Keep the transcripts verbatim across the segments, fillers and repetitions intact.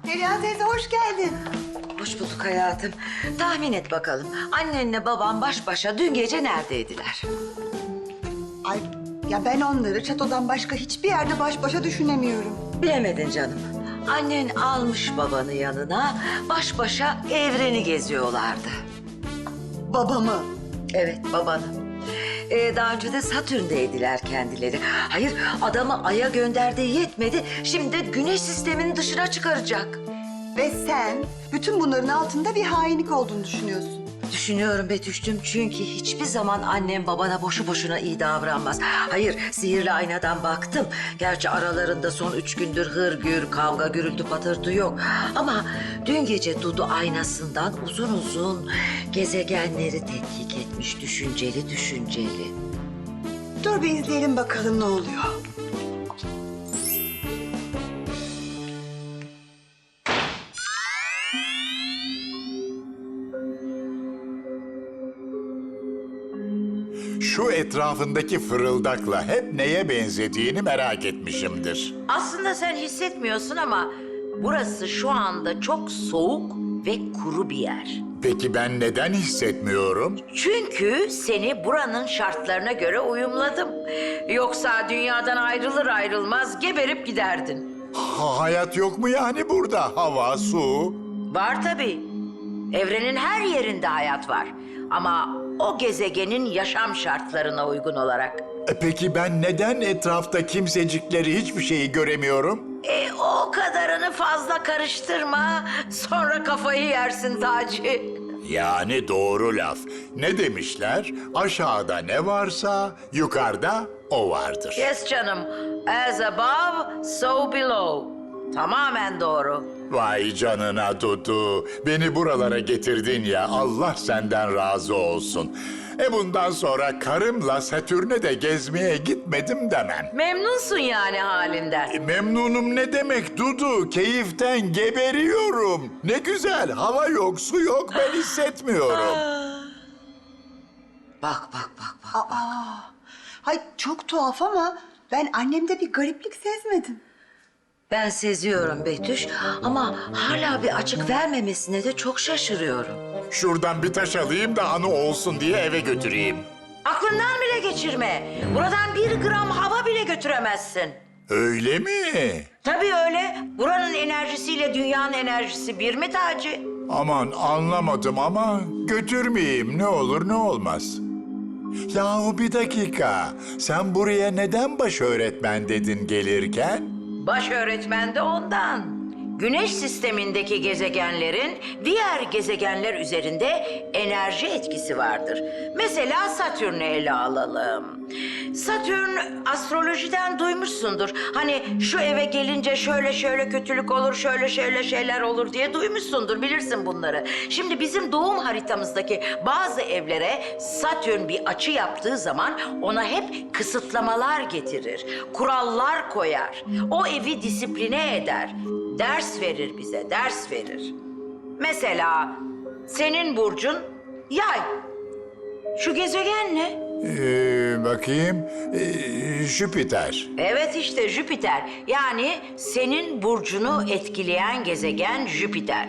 Perihan teyze hoş geldin. Hoş bulduk hayatım. Tahmin et bakalım. Annenle baban baş başa dün gece neredeydiler? Ay ya ben onları çatodan başka hiçbir yerde baş başa düşünemiyorum. Bilemedin canım. Annen almış babanı yanına, baş başa evreni geziyorlardı. Babamı. Evet, babanı. Ee, daha önce de Satürn'deydiler kendileri. Hayır, adamı Ay'a gönderdiği yetmedi. Şimdi de Güneş sisteminin dışına çıkaracak. Ve sen bütün bunların altında bir hainlik olduğunu düşünüyorsun. Düşünüyorum Betüş'cüm çünkü hiçbir zaman annem babana boşu boşuna iyi davranmaz. Hayır, sihirli aynadan baktım. Gerçi aralarında son üç gündür hırgür, kavga, gürültü, patırtı yok. Ama dün gece Dudu aynasından uzun uzun gezegenleri tetkik etmiş, düşünceli düşünceli. Dur bir izleyelim bakalım ne oluyor. Şu etrafındaki fırıldakla hep neye benzediğini merak etmişimdir. Aslında sen hissetmiyorsun ama burası şu anda çok soğuk ve kuru bir yer. Peki ben neden hissetmiyorum? Çünkü seni buranın şartlarına göre uyumladım. Yoksa dünyadan ayrılır ayrılmaz geberip giderdin. Ha- hayat yok mu yani burada? Hava, su. Var tabii. Evrenin her yerinde hayat var. Ama o gezegenin yaşam şartlarına uygun olarak. E peki ben neden etrafta kimsecikleri hiçbir şeyi göremiyorum? E o kadarını fazla karıştırma. Sonra kafayı yersin Taci. Yani doğru laf. Ne demişler? Aşağıda ne varsa yukarıda o vardır. Yes canım. As above, so below. Tamamen doğru. Vay canına Dudu. Beni buralara getirdin ya. Allah senden razı olsun. E bundan sonra karımla Satürn'e de gezmeye gitmedim demem. Memnunsun yani halinden. E, memnunum ne demek Dudu? Keyiften geberiyorum. Ne güzel. Hava yok, su yok. Ben hissetmiyorum. Bak bak bak bak. Aa, hay çok tuhaf ama ben annemde bir gariplik sezmedim. Ben seziyorum Betüş ama hala bir açık vermemesine de çok şaşırıyorum. Şuradan bir taş alayım da anı olsun diye eve götüreyim. Aklından bile geçirme. Buradan bir gram hava bile götüremezsin. Öyle mi? Tabii öyle. Buranın enerjisiyle dünyanın enerjisi bir mi Taci? Aman anlamadım ama götürmeyeyim ne olur ne olmaz. Yahu bir dakika. Sen buraya neden baş öğretmen dedin gelirken? Baş öğretmen de ondan. Güneş sistemindeki gezegenlerin diğer gezegenler üzerinde enerji etkisi vardır. Mesela Satürn'ü ele alalım. Satürn astrolojiden duymuşsundur. Hani şu eve gelince şöyle şöyle kötülük olur, şöyle şöyle şeyler olur diye duymuşsundur. Bilirsin bunları. Şimdi bizim doğum haritamızdaki bazı evlere Satürn bir açı yaptığı zaman ona hep kısıtlamalar getirir. Kurallar koyar. O evi disipline eder. Ders verir bize, ders verir. Mesela senin burcun Yay. Şu gezegen ne? Ee, bakayım. Ee, Jüpiter. Evet işte Jüpiter. Yani senin burcunu etkileyen gezegen Jüpiter.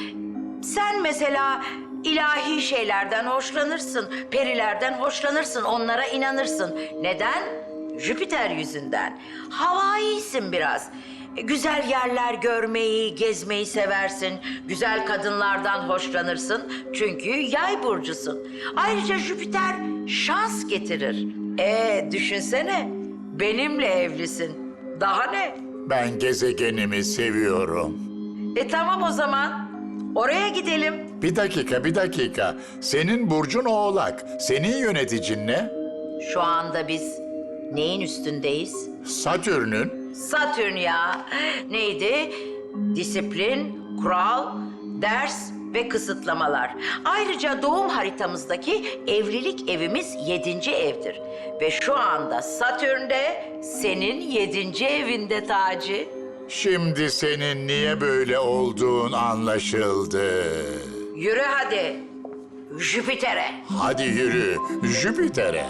Sen mesela ilahi şeylerden hoşlanırsın, perilerden hoşlanırsın, onlara inanırsın. Neden? Jüpiter yüzünden. Havaisin biraz. Güzel yerler görmeyi, gezmeyi seversin. Güzel kadınlardan hoşlanırsın. Çünkü yay burcusun. Ayrıca Jüpiter şans getirir. Ee, düşünsene. Benimle evlisin. Daha ne? Ben gezegenimi seviyorum. E tamam o zaman. Oraya gidelim. Bir dakika, bir dakika. Senin burcun Oğlak. Senin yöneticin ne? Şu anda biz neyin üstündeyiz? Satürn'ün. Satürn ya. Neydi? Disiplin, kural, ders ve kısıtlamalar. Ayrıca doğum haritamızdaki evlilik evimiz yedinci evdir. Ve şu anda Satürn de senin yedinci evinde Taci. Şimdi senin niye böyle olduğun anlaşıldı. Yürü hadi. Jüpiter'e. Hadi yürü, Jüpiter'e.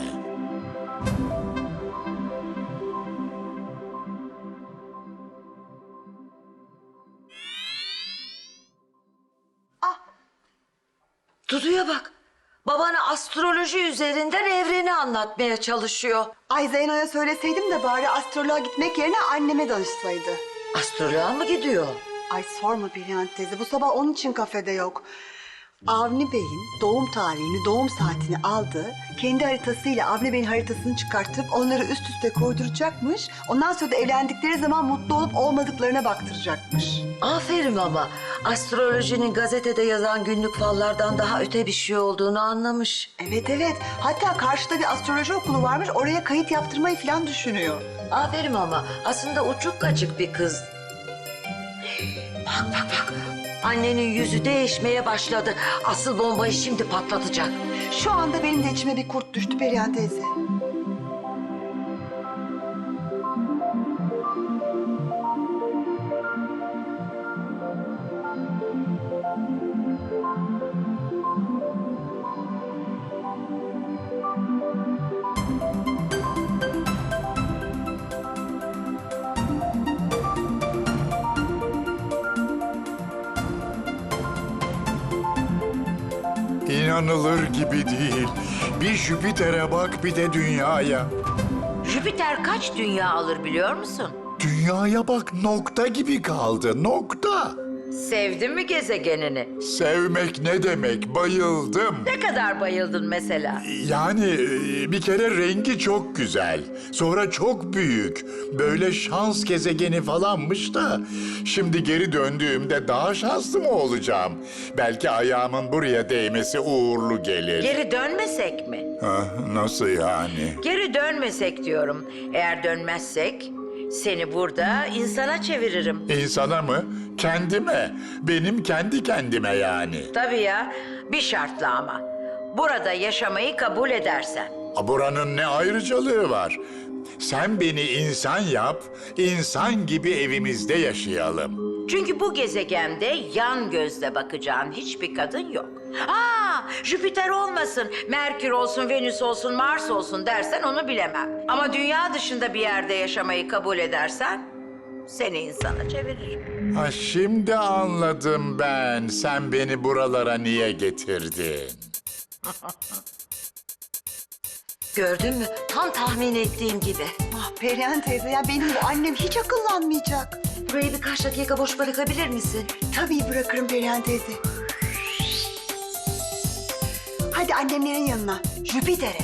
Dudu'ya bak. Babana astroloji üzerinden evreni anlatmaya çalışıyor. Ay Zeyno'ya söyleseydim de bari astroloğa gitmek yerine anneme danışsaydı. Astroloğa mı gidiyor? Ay sorma Perihan teyze, bu sabah onun için kafede yok. Avni Bey'in doğum tarihini, doğum saatini aldı. Kendi haritasıyla Avni Bey'in haritasını çıkartıp onları üst üste koyduracakmış. Ondan sonra da evlendikleri zaman mutlu olup olmadıklarına baktıracakmış. Aferin ama. Astrolojinin gazetede yazan günlük fallardan daha öte bir şey olduğunu anlamış. Evet evet. Hatta karşıda bir astroloji okulu varmış. Oraya kayıt yaptırmayı falan düşünüyor. Aferin ama. Aslında uçuk kaçık bir kız. Bak bak bak. Annenin yüzü değişmeye başladı. Asıl bombayı şimdi patlatacak. Şu anda benim de içime bir kurt düştü Perihan teyze. İnanılır gibi değil. Bir Jüpiter'e bak, bir de dünyaya. Jüpiter kaç dünya alır biliyor musun? Dünyaya bak, nokta gibi kaldı, nokta. Sevdin mi gezegenini? Sevmek ne demek, bayıldım. Ne kadar bayıldın mesela? Yani e, bir kere rengi çok güzel. Sonra çok büyük. Böyle şans gezegeni falanmış da. Şimdi geri döndüğümde daha şanslı mı olacağım? Belki ayağımın buraya değmesi uğurlu gelir. Geri dönmesek mi? Ha, nasıl yani? Geri dönmesek diyorum. Eğer dönmezsek seni burada insana çeviririm. İnsana mı? Kendime. Benim kendi kendime yani. Tabii ya, bir şartla ama. Burada yaşamayı kabul edersen. A, buranın ne ayrıcalığı var? Sen beni insan yap, insan gibi evimizde yaşayalım. Çünkü bu gezegende yan gözle bakacağın hiçbir kadın yok. Aa, Jüpiter olmasın, Merkür olsun, Venüs olsun, Mars olsun dersen onu bilemem. Ama dünya dışında bir yerde yaşamayı kabul edersen seni insana çeviririm. Ha, şimdi anladım ben. Sen beni buralara niye getirdin? Gördün mü? Tam tahmin ettiğim gibi. Ah Perihan teyze ya, benim bu annem hiç akıllanmayacak. Burayı birkaç dakika boş bırakabilir misin? Tabii bırakırım Perihan teyze. Hadi annemlerin yanına, Jüpiter'e.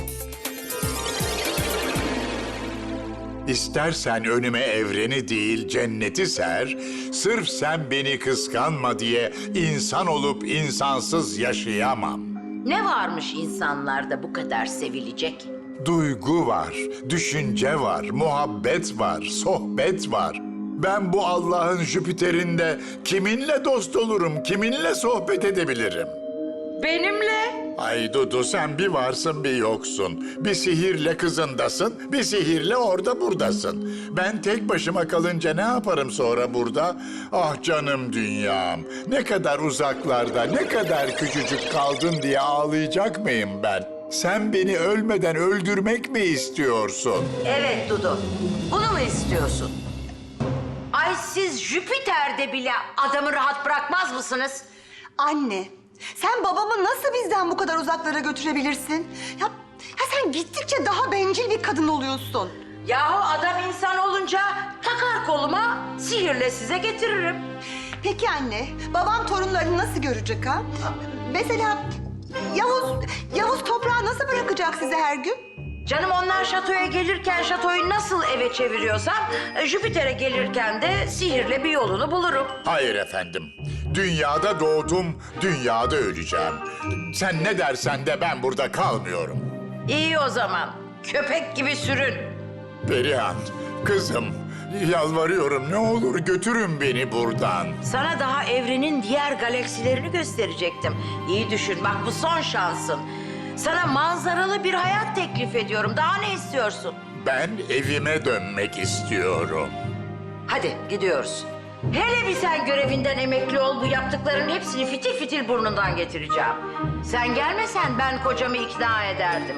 İstersen önüme evreni değil cenneti ser, sırf sen beni kıskanma diye insan olup insansız yaşayamam. Ne varmış insanlarda bu kadar sevilecek? Duygu var, düşünce var, muhabbet var, sohbet var. Ben bu Allah'ın Jüpiter'inde kiminle dost olurum, kiminle sohbet edebilirim? Benimle? Ay Dudu, sen bir varsın bir yoksun. Bir sihirle kızındasın, bir sihirle orada buradasın. Ben tek başıma kalınca ne yaparım sonra burada? Ah canım dünyam, ne kadar uzaklarda, ne kadar küçücük kaldın diye ağlayacak mıyım ben? Sen beni ölmeden öldürmek mi istiyorsun? Evet Dudu, bunu mu istiyorsun? Ay siz Jüpiter'de bile adamı rahat bırakmaz mısınız? Anne, sen babamı nasıl bizden bu kadar uzaklara götürebilirsin? Ya, ya sen gittikçe daha bencil bir kadın oluyorsun. Yahu adam insan olunca takar koluma, sihirle size getiririm. Peki anne, babam torunlarını nasıl görecek ha? Mesela Yavuz, Yavuz toprağı nasıl bırakacak size her gün? Canım onlar şatoya gelirken şatoyu nasıl eve çeviriyorsam... e, ...Jüpiter'e gelirken de sihirle bir yolunu bulurum. Hayır efendim. Dünyada doğdum, dünyada öleceğim. Sen ne dersen de ben burada kalmıyorum. İyi o zaman, köpek gibi sürün. Perihan, kızım, yalvarıyorum ne olur götürün beni buradan. Sana daha evrenin diğer galaksilerini gösterecektim. İyi düşün, bak bu son şansın. Sana manzaralı bir hayat teklif ediyorum. Daha ne istiyorsun? Ben evime dönmek istiyorum. Hadi gidiyoruz. Hele bir sen görevinden emekli ol, bu yaptıkların hepsini fitil fitil burnundan getireceğim. Sen gelmesen ben kocamı ikna ederdim.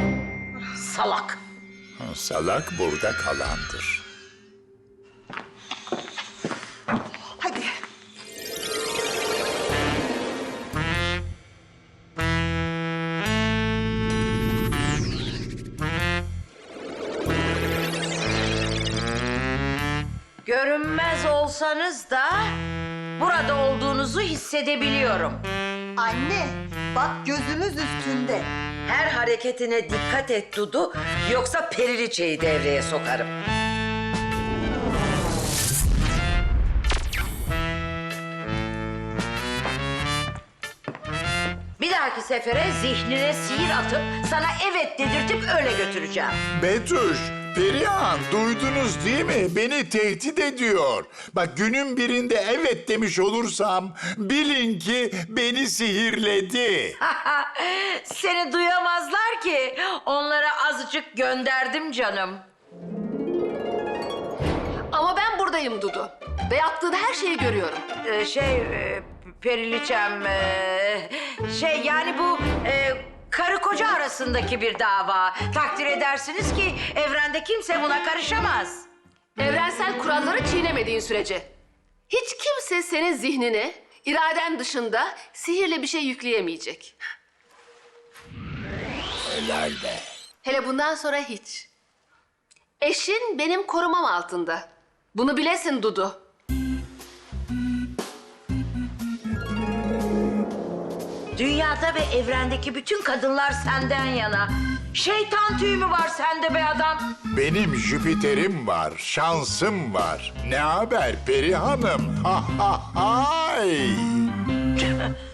Salak. Salak burada kalandır. Hadi. Görünmez olsanız da burada olduğunuzu hissedebiliyorum. Anne, bak gözümüz üstünde. Her hareketine dikkat et Dudu, yoksa periliçeyi devreye sokarım. Bir dahaki sefere zihnine sihir atıp sana evet dedirtip öyle götüreceğim. Betüş, Perihan duydunuz değil mi? Beni tehdit ediyor. Bak günün birinde evet demiş olursam bilin ki beni sihirledi. Seni duyamazlar ki. Onlara azıcık gönderdim canım. Ama ben buradayım Dudu. Ve yaptığın her şeyi görüyorum. Ee, şey e, Periliçem e, şey yani bu e, karı koca arasındaki bir dava. Takdir edersiniz ki evrende kimse buna karışamaz. Evrensel kuralları çiğnemediğin sürece. Hiç kimse senin zihnine, iraden dışında sihirle bir şey yükleyemeyecek. Helal be. Hele bundan sonra hiç. Eşin benim korumam altında. Bunu bilesin Dudu. Dünyada ve evrendeki bütün kadınlar senden yana. Şeytan tüyü mü var sende be adam? Benim Jüpiter'im var, şansım var. Ne haber Peri Hanım? Ha ha hay.